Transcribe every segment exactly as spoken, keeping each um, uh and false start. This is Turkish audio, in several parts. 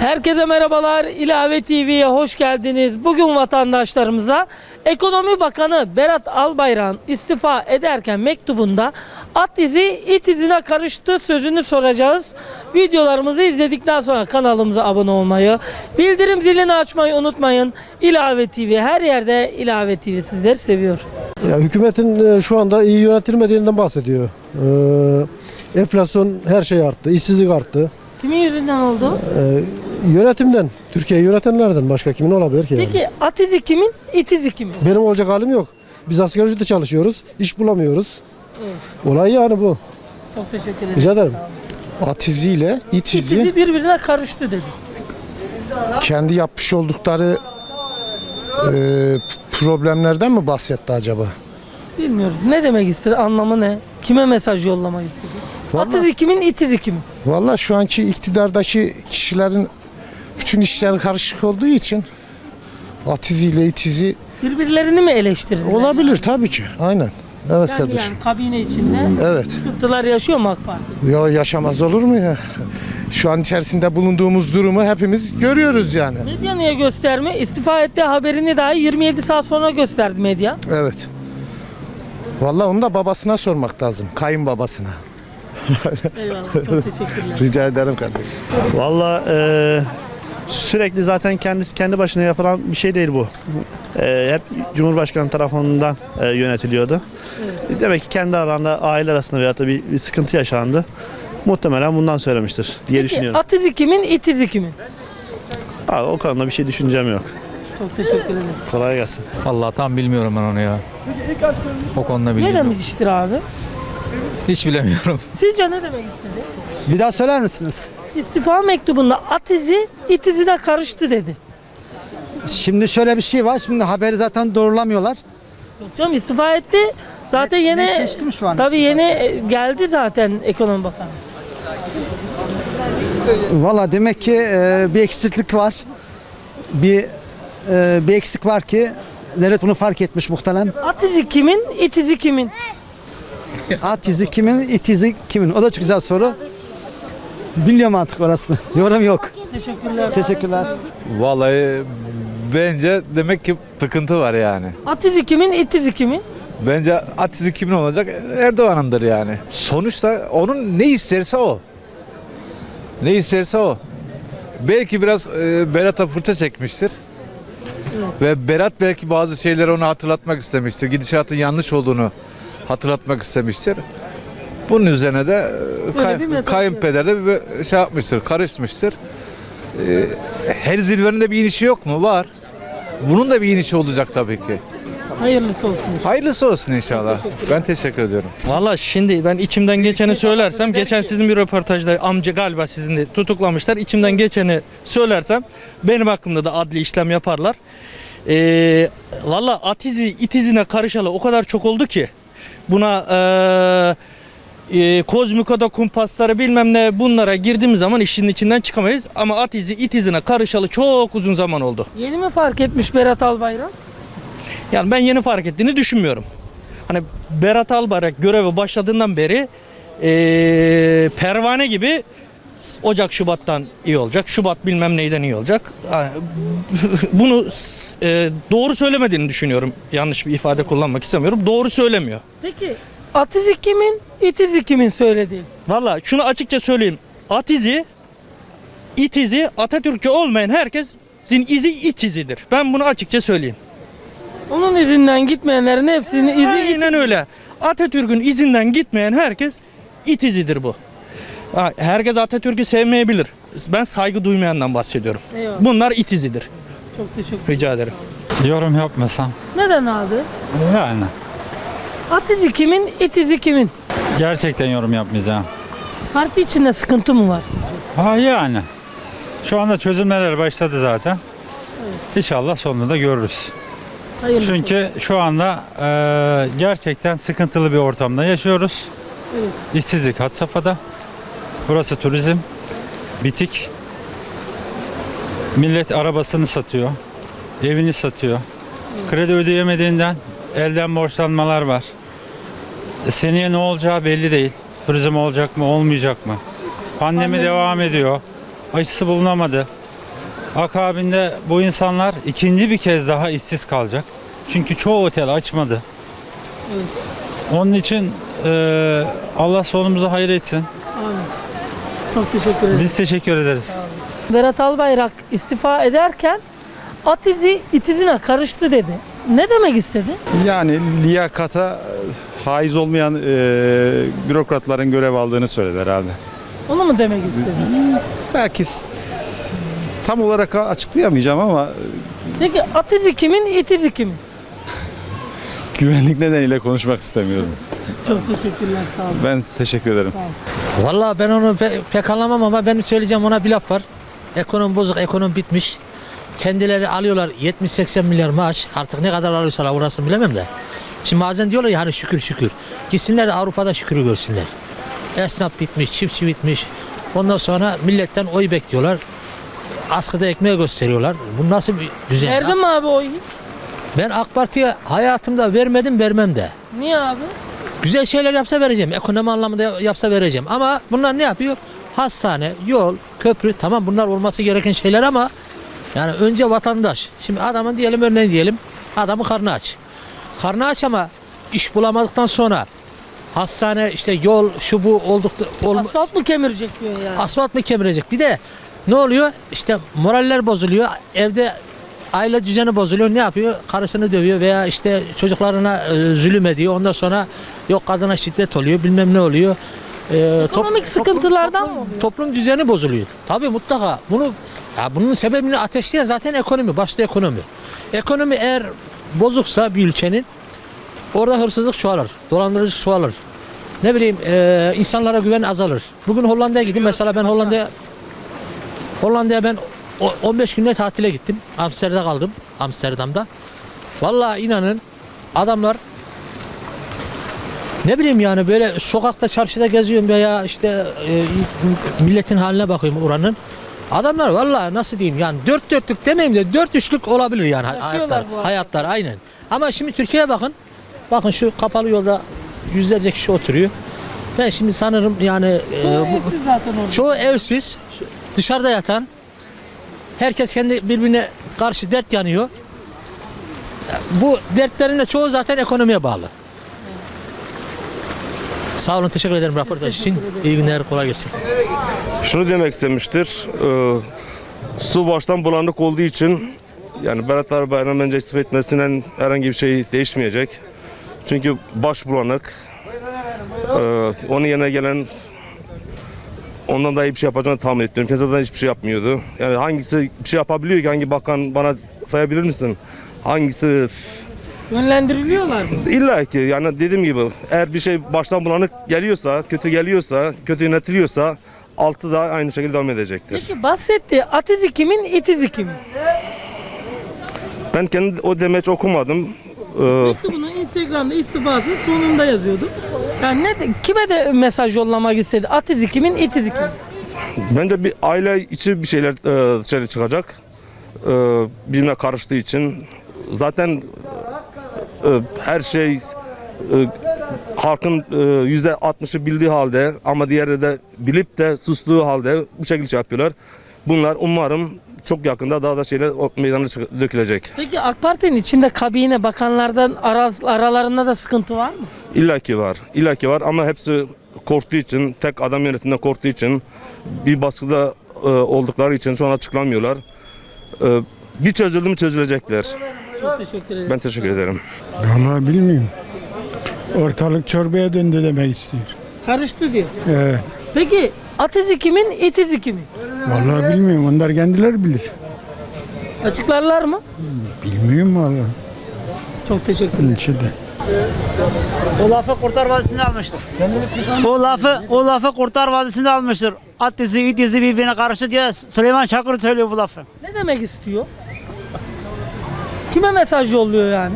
Herkese merhabalar. İlave T V'ye hoş geldiniz. Bugün vatandaşlarımıza Ekonomi Bakanı Berat Albayrak'ın istifa ederken mektubunda at izi it izine karıştı sözünü soracağız. Videolarımızı izledikten sonra kanalımıza abone olmayı, bildirim zilini açmayı unutmayın. İlave T V her yerde. İlave T V sizleri seviyor. Ya, hükümetin şu anda iyi yönetilmediğinden bahsediyor. Ee, enflasyon her şey arttı, işsizlik arttı. Kimin yüzünden oldu? Ee, yönetimden, Türkiye'yi yönetenlerden başka kimin olabilir ki? Yani? Peki at izi kimin, it izi kimin? Benim olacak halim yok. Biz asgari ücretle çalışıyoruz, iş bulamıyoruz. Evet. Olay yani bu. Çok teşekkür ederim. Rica ederim. At iziyle it İt izi izi birbirine karıştı dedi. kendi yapmış oldukları e, problemlerden mi bahsetti acaba? Bilmiyoruz. Ne demek istedi? Anlamı ne? Kime mesaj yollamak istedi? At Vallahi- izi kimin, it izi kimin? Vallahi şu anki iktidardaki kişilerin bütün işleri karışık olduğu için at iziyle it izi Birbirlerini mi eleştirdiler? olabilir tabii ki. Aynen. Evet Yani, kardeşim. yani kabine içinde Evet. sıkıntılar yaşıyor mu AK Parti? Ya yaşamaz olur mu ya? Şu an içerisinde bulunduğumuz durumu hepimiz görüyoruz yani. Medya niye gösterme? İstifa ettiği haberini dahi yirmi yedi saat sonra gösterdi medya. Evet. Vallahi onu da babasına sormak lazım. Kayınbabasına. Eyvallah. Çok teşekkürler. Rica ederim kardeşim. Valla e, sürekli zaten kendisi kendi başına yapılan bir şey değil bu. E, hep Cumhurbaşkanı tarafından e, yönetiliyordu. Demek ki kendi aralarında aile arasında veyahut da bir, bir sıkıntı yaşandı. Muhtemelen bundan söylemiştir diye Peki, düşünüyorum. at izi kimin, it izi kimin? Ha, o konuda bir şey düşüncem yok. Çok teşekkür ederim. Kolay gelsin. Vallahi tam bilmiyorum ben onu ya. O konuda Ne bilmiyorum. demiştir abi? Hiç bilemiyorum. Sizce ne demek istedi? Bir daha söyler misiniz? İstifa mektubunda at izi, it izine karıştı dedi. Şimdi şöyle bir şey var. Şimdi haberi zaten doğrulamıyorlar. Yok canım, istifa etti. Zaten Net- yeni netleşti mi şu an tabii istifası? yeni geldi zaten Ekonomi Bakanı. Valla demek ki e, bir eksiklik var. Bir e, bir eksik var ki devlet bunu fark etmiş muhtemelen. At izi kimin, it izi kimin? At izi kimin, it izi kimin? O da çok güzel soru. Bilmiyorum artık orasını. Yorum yok. Teşekkürler. Teşekkürler. Vallahi bence demek ki sıkıntı var yani. At izi kimin, it izi kimin? Bence at izi kimin olacak? Erdoğan'ındır yani. Sonuçta onun ne isterse o. Ne isterse o. Belki biraz e, Berat'a fırça çekmiştir. Ve Berat belki bazı şeyleri ona hatırlatmak istemiştir. Gidişatın yanlış olduğunu hatırlatmak istemiştir. Bunun üzerine de e, Böyle kay- bir mesaj kayınpeder de bir şey yapmıştır, karışmıştır. E, her zirvenin de bir inişi yok mu? Var. Bunun da bir inişi olacak tabii ki. Hayırlısı olsun. Hayırlısı olsun inşallah. Ben teşekkür ediyorum. Valla şimdi ben içimden geçeni söylersem, geçen sizin bir röportajda amca galiba sizin de tutuklamışlar. İçimden geçeni söylersem benim hakkımda da adli işlem yaparlar. Ee, Valla at izi it izine karışalı o kadar çok oldu ki buna ee, e, kozmikoda kumpasları bilmem ne bunlara girdiğimiz zaman işin içinden çıkamayız. Ama at izi it izine karışalı çok uzun zaman oldu. Yeni mi fark etmiş Berat Albayrak? Yani ben yeni fark ettiğini düşünmüyorum. Hani Berat Albayrak göreve başladığından beri eee, pervane gibi Ocak Şubat'tan iyi olacak. Şubat bilmem neyden iyi olacak. Bunu eee, doğru söylemediğini düşünüyorum. Yanlış bir ifade kullanmak istemiyorum. Doğru söylemiyor. Peki at izi kimin, it izi kimin söylediği? Valla şunu açıkça söyleyeyim. At izi, it izi, Atatürkçü olmayan herkesin izi it izidir. Ben bunu açıkça söyleyeyim. Onun izinden gitmeyenlerin hepsinin izi it. Aynen öyle. Atatürk'ün izinden gitmeyen herkes it izidir bu. Ha, herkes Atatürk'ü sevmeyebilir. Ben saygı duymayandan bahsediyorum. Eyvallah. Bunlar it izidir. Çok teşekkür. Rica ederim. Yorum yapmasam Neden abi? yani At izi kimin, it izi kimin? gerçekten yorum yapmayacağım. Parti içinde sıkıntı mı var? Ha yani şu anda çözümler başladı zaten. İnşallah sonunu da görürüz. Hayırlısı. Çünkü şu anda e, gerçekten sıkıntılı bir ortamda yaşıyoruz. İşsizlik had safhada. Burası turizm, bitik. Millet arabasını satıyor, evini satıyor. Kredi ödeyemediğinden elden borçlanmalar var. E, seneye ne olacağı belli değil. Turizm olacak mı, olmayacak mı? Pandemi devam ediyor. Aşısı bulunamadı. Akabinde bu insanlar ikinci bir kez daha işsiz kalacak. Çünkü çoğu otel açmadı. Evet. Onun için e, Allah sonumuzu hayır etsin. Amin. Çok teşekkür ederim. Biz teşekkür ederiz. Berat Albayrak istifa ederken at izi it izine karıştı dedi. Ne demek istedi? Yani liyakata haiz olmayan e, bürokratların görev aldığını söyledi herhalde. Onu mu demek istedi? Belki s- tam olarak açıklayamayacağım ama Peki at izi kimin, it izi kimin? güvenlik nedeniyle konuşmak istemiyorum. Çok teşekkürler, sağ olun. Ben teşekkür ederim. Vallahi ben onu pe- pek anlamam ama benim söyleyeceğim ona bir laf var. Ekonomi bozuk, ekonomi bitmiş. Kendileri alıyorlar yetmiş seksen milyar maaş. Artık ne kadar alıyorsalar orasını bilemem de. Şimdi bazen diyorlar ya hani şükür şükür. Gitsinler de Avrupa'da şükürü görsünler. Esnaf bitmiş, çiftçi bitmiş. Ondan sonra milletten oy bekliyorlar. Askıda ekmeği gösteriyorlar. Bu nasıl bir düzen? Verdin mi abi o hiç? Ben AK Parti'ye hayatımda vermedim, vermem de. Niye abi? Güzel şeyler yapsa vereceğim. Ekonomi anlamında yapsa vereceğim. Ama bunlar ne yapıyor? Hastane, yol, köprü, tamam bunlar olması gereken şeyler ama yani önce vatandaş. Şimdi adamın diyelim örneğin diyelim adamın karnı aç. Karnı aç ama iş bulamadıktan sonra hastane işte yol şu bu oldukta ol, Asfalt mı kemirecek diyor yani. asfalt mı kemirecek? Bir de ne oluyor? İşte moraller bozuluyor. Evde aile düzeni bozuluyor. Ne yapıyor? Karısını dövüyor veya işte çocuklarına e, zulüm ediyor. Ondan sonra yok kadına şiddet oluyor. Bilmem ne oluyor. E, top- Ekonomik sıkıntılardan mı oluyor? Toplum düzeni bozuluyor. Tabii mutlaka. Bunu ya bunun sebebini ateşleyen zaten ekonomi. Başta ekonomi. Ekonomi eğer bozuksa bir ülkenin orada hırsızlık çoğalır. Dolandırıcılık çoğalır. Ne bileyim e, insanlara güven azalır. Bugün Hollanda'ya gideyim. Mesela ben Hollanda'ya Hollanda'ya ben o- on beş günde tatile gittim. Amsterdam'da kaldım. Amsterdam'da. Vallahi inanın adamlar ne bileyim yani böyle sokakta çarşıda geziyorum veya işte e, milletin haline bakıyorum oranın. Adamlar vallahi nasıl diyeyim yani dört dörtlük demeyeyim de dört üçlük olabilir yani Yaşıyorlar hayatlar. bu Hayatlar aynen. Ama şimdi Türkiye'ye bakın. Bakın şu kapalı yolda yüzlerce kişi oturuyor. Ben şimdi sanırım yani e, Çoğu bu- evsiz zaten orada. çoğu evsiz, dışarıda yatan, herkes kendi birbirine karşı dert yanıyor. Bu dertlerin de çoğu zaten ekonomiye bağlı. Sağ olun, teşekkür ederim röportaj için. İyi günler, kolay gelsin. Şunu demek istemiştir. E, su baştan bulanık olduğu için yani Berat Albayrak'ın bence istifa etmesinden herhangi bir şey değişmeyecek. Çünkü baş bulanık. E, onun yerine gelen ondan daha iyi bir şey yapacağını tahmin etmiyorum. Kendisi zaten hiçbir şey yapmıyordu. Yani hangisi bir şey yapabiliyor ki? Hangi bakan bana sayabilir misin? Hangisi Yönlendiriliyorlar mı? İlla ki yani dediğim gibi eğer bir şey baştan bulanık geliyorsa, kötü geliyorsa, kötü yönetiliyorsa altı da aynı şekilde devam edecektir. Peki bahsettiği at izi kimin, it izi kimin? Ben kendi o demeç okumadım. Ee, Mektubunu Instagram'da istifasının sonunda yazıyordu. Yani ne, kime de mesaj yollamak istedi? At izi kimin, it izi kimin? bence bir aile içi bir şeyler e, dışarı çıkacak. E, birbirine karıştığı için. Zaten e, her şey e, halkın e, yüzde altmışı bildiği halde ama diğeri de bilip de sustuğu halde bu şekilde şey yapıyorlar. Bunlar umarım çok yakında daha da şeyler o meydana çık- dökülecek. Peki AK Parti'nin içinde kabine bakanlardan ara, aralarında da sıkıntı var mı? İlla ki var. İlla ki var ama hepsi korktuğu için, tek adam yönetiminde korktuğu için, bir baskıda e, oldukları için şu an açıklamıyorlar. E, bir çözüldü mü çözülecekler. Çok teşekkür ederim. Ben teşekkür ederim. Vallahi bilmiyorum. Ortalık çorbaya döndü demek istiyor. Karıştı diyor. Evet. Peki at izi kimin, it izi kimin? Vallahi bilmiyorum. Onlar kendileri bilir. Açıklarlar mı? Bilmiyorum vallahi. Çok teşekkürler. İçinde. O lafı Kurtlar Vadisi'nde almıştır. O lafı, o lafı Kurtlar Vadisi'nde almıştır. At izi, it izi birbirine karşı diye Süleyman Çakır söylüyor bu lafı. Ne demek istiyor? Kime mesaj yolluyor yani?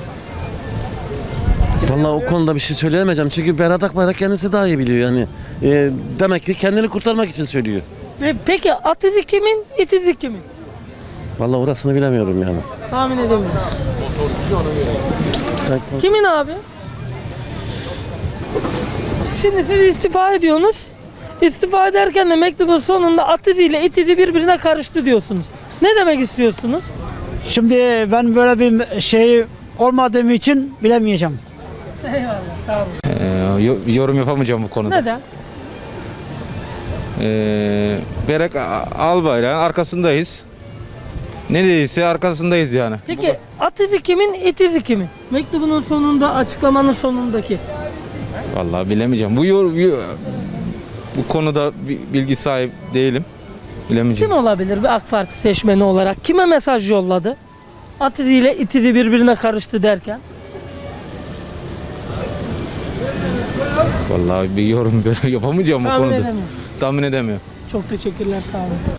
Vallahi o konuda bir şey söyleyemeyeceğim çünkü Berat Akbayrak kendisi daha iyi biliyor yani. Ee, demek ki kendini kurtarmak için söylüyor. Ve peki at izi kimin, it izi kimin? Vallahi orasını bilemiyorum yani. Tahmin edemiyorum. Sen... Kimin abi? Şimdi siz istifa ediyorsunuz. İstifa ederken de mektubun sonunda at iziyle it izi birbirine karıştı diyorsunuz. Ne demek istiyorsunuz? Şimdi ben böyle bir şey olmadığım için bilemeyeceğim. Eyvallah, sağ olun. Ee, yorum yapamayacağım bu konuda. Neden? Ee, Berat Albayrak'ın arkasındayız. Ne dediyse arkasındayız yani. Peki at izi kimin, it izi kimin? Mektubunun sonunda, açıklamanın sonundaki. Vallahi bilemeyeceğim. Bu yor, yor- bu konuda bi- bilgi sahip değilim. Bilemeyeceğim. Kim olabilir bir AK Parti seçmeni olarak? Kime mesaj yolladı? At iziyle it izi birbirine karıştı derken. Vallahi bir yorum yapamayacağım bu Tahmin konuda. edemiyorum. Tahmin edemiyorum. Çok teşekkürler, sağ olun.